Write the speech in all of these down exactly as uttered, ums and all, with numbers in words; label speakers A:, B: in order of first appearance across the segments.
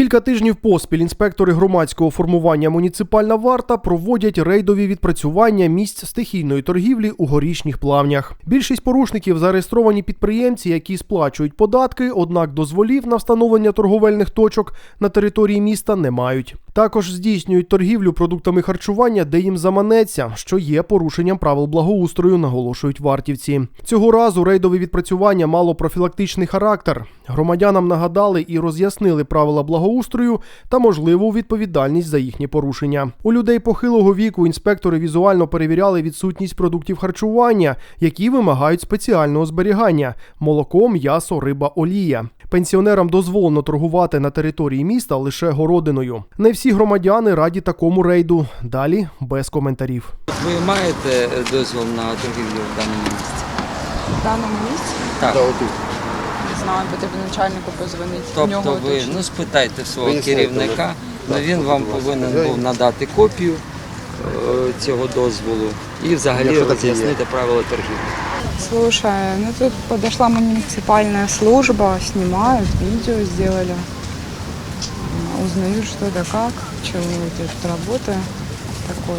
A: Кілька тижнів поспіль інспектори громадського формування «Муніципальна варта» проводять рейдові відпрацювання місць стихійної торгівлі у Горішніх Плавнях. Більшість порушників – зареєстровані підприємці, які сплачують податки, однак дозволів на встановлення торговельних точок на території міста не мають. Також здійснюють торгівлю продуктами харчування, де їм заманеться, що є порушенням правил благоустрою, наголошують вартівці. Цього разу рейдове відпрацювання мало профілактичний характер. Громадянам нагадали і роз'яснили правила благоустрою та можливу відповідальність за їхні порушення. У людей похилого віку інспектори візуально перевіряли відсутність продуктів харчування, які вимагають спеціального зберігання – молоко, м'ясо, риба, олія. Пенсіонерам дозволено торгувати на території міста лише городиною. Не всі громадяни раді такому рейду. Далі без коментарів.
B: Ви маєте дозвіл на торгівлю в даному місці?
C: В даному місці?
B: Так.
C: Не знаю, потрібно начальнику позвонити.
B: Тобто ви ну, спитайте свого керівника, ну, він вам повинен був надати копію е, цього дозволу і взагалі роз'яснити правила торгівлі.
C: Слушай, ну тут подошла муниципальная служба, снимают, видео сделали. Узнаю, что да как, чего тут работа такое.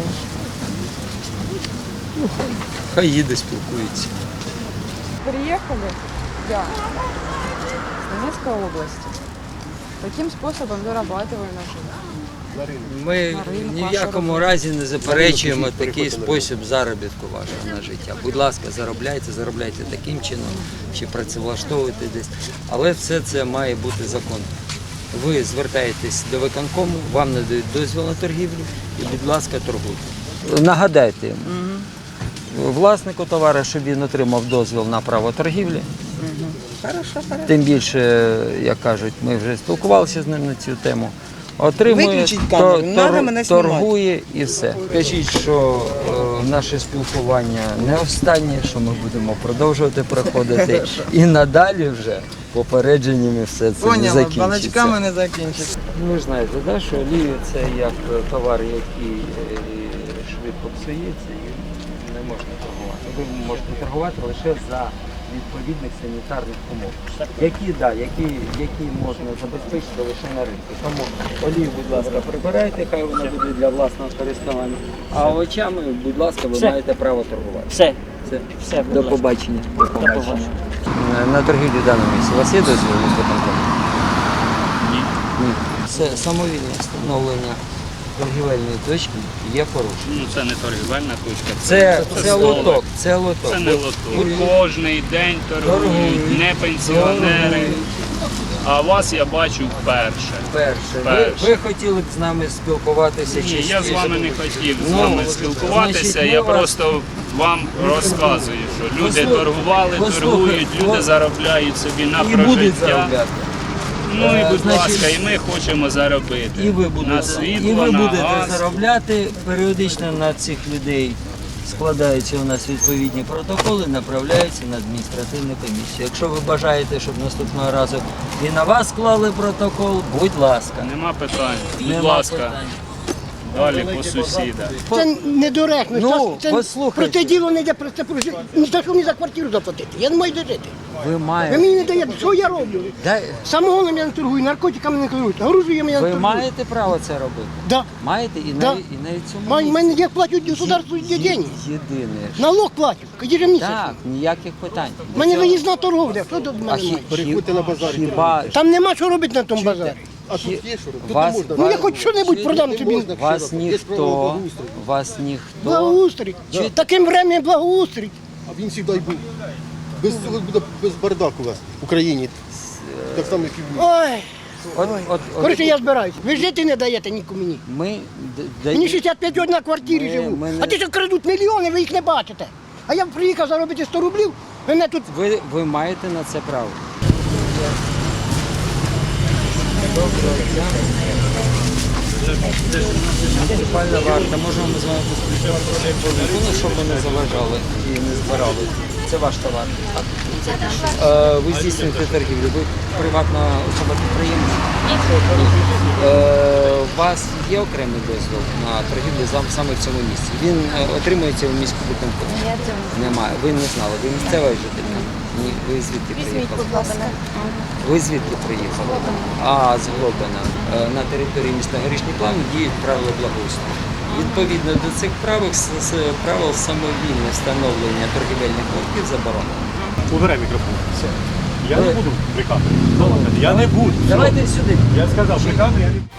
B: Ну, хай їде, спілкується.
C: Приехали, я, с Донецкой области. Таким способом зарабатываю на жизнь.
B: Ми ні в якому разі не заперечуємо такий спосіб заробітку вашого на життя. Будь ласка, заробляйте, заробляйте таким чином, чи працевлаштовуйте десь. Але все це має бути законно. Ви звертаєтесь до виконкому, вам надають дозвіл на торгівлю і, будь ласка, торгуйте. Нагадайте йому, власнику товару, щоб він отримав дозвіл на право торгівлі. Тим більше, як кажуть, ми вже спілкувалися з ним на цю тему. Отримує, то, тор, торгує і все. Кажіть, що е, наше спілкування не останнє, що ми будемо продовжувати проходити. І надалі вже попередженнями все це не закінчиться.
D: Балачками не закінчиться.
B: Ви ж знаєте, да, що олія – це як товар, який е, швидко псується і не можна торгувати. Ви можете торгувати лише за відповідних санітарних умов, які, да, які, які можна забезпечити лише на ринку. Тому олію, будь ласка, прибирайте, хай вона буде для власного користування, а овочами, будь ласка, ви Все. маєте право торгувати.
D: Все.
B: Все.
D: Все,
B: До побачення. До побачення. На торгівлі в даному місці у вас є дозвіл з виконкому? Ні. Ні. Це самовільне встановлення торгівельної точки є порушення.
E: Ну це не торгівельна точка.
B: Це,
E: це,
B: це лоток. Це лоток.
E: Це не лоток. Кожний день торгують, не пенсіонери. А вас я бачу вперше.
B: Перше.
E: Перше.
B: Ви, ви хотіли б з нами спілкуватися?
E: Ні,
B: частіше?
E: я з вами не хотів з
B: Ну,
E: вами спілкуватися.
B: значить,
E: Я
B: ми вас-
E: просто вам розказую, що люди
B: Послухайте,
E: торгували,
B: послухайте,
E: торгують, люди
B: ви-
E: заробляють собі на
B: І будуть
E: прожиття.
B: заробляти.
E: Ну і, будь
B: Значить,
E: ласка, і ми хочемо заробити.
B: І ви
E: на
B: будете,
E: світло,
B: і ви
E: на
B: будете
E: газ.
B: заробляти. Періодично на цих людей складаються у нас відповідні протоколи, направляються на адміністративну комісію. Якщо ви бажаєте, щоб наступного разу і на вас склали протокол, будь ласка.
E: Нема питань. Будь
B: Нема
E: ласка,
B: питань.
E: далі по сусідах.
F: Це недоречно.
B: Ну,
F: це,
B: послухайте.
F: про це діло не йде, про це про життя. Ні за що мені за квартиру заплатити. Я не маю де жити.
B: Ви
F: Ви
B: маєте,
F: мені не даєте, що я роблю?
B: Дай-
F: Самогоном я не торгую, наркотиками не торгую, оружієм я не
B: ви
F: торгую.
B: маєте право це робити?
F: Да.
B: Маєте і
F: Да.
B: навіть, і навіть цьому
F: Маю-
B: місці.
F: Мене я платю государству деньги.
B: Єдине. що-
F: Налог платю, ежемісячно.
B: Так, ніяких питань.
F: У мене виїзна торговля, що тут в
B: А
F: мене
B: хі,
F: має?
B: переходьте на базар. Хіба
F: Там нема що робити на тому базарі.
B: А тут є що робити? Вас,
F: Ну я хоч що-небудь продам тобі.
B: вас ніхто, вас ніхто.
F: Благоустрій. Таким временем благоустрій.
G: А він завжди був. Без цього буде без бардаку у вас в Україні. Так само, як і в
F: Ой,
B: От, от, от,
F: коротше, я збираюся. Ви жити не даєте нікому мені.
B: Ми д-
F: Мені
B: даємо-
F: шістдесят п'ять років на квартирі
B: Ми-
F: живу.
B: ми не-
F: А ті, що крадуть мільйони, ви їх не бачите. А я приїхав заробити сто рублів, мене тут...
B: ви, ви маєте на це право. Муніципальна варта, можемо ми з вами поспілкуватися, щоб ви не заважали і не збирали. Це ваш товар. так? Е, Ви здійснюєте торгівлю, ви приватна особа-підприємець? Ні. У вас є окремий дозвіл на торгівлю зам- саме в цьому місці? Він е, отримується у міську виконкому? Немає. Ви не знали, ви місцева жителька? Ні, ви звідки
D: Візьміть,
B: приїхали?
D: будь ласка.
B: Ви звідки приїхали? А, з Глобина. Е, На території міста Горішні Плавні діють правила благоустрою. Відповідно до цих правил, с- с- правил самовільне встановлення торгівельних лотків заборонено.
H: Убирай мікрофон. Все. Я
B: Ви-
H: не буду при камері. Я не буду.
B: Давайте сюди.
H: Я сказав, при камері я не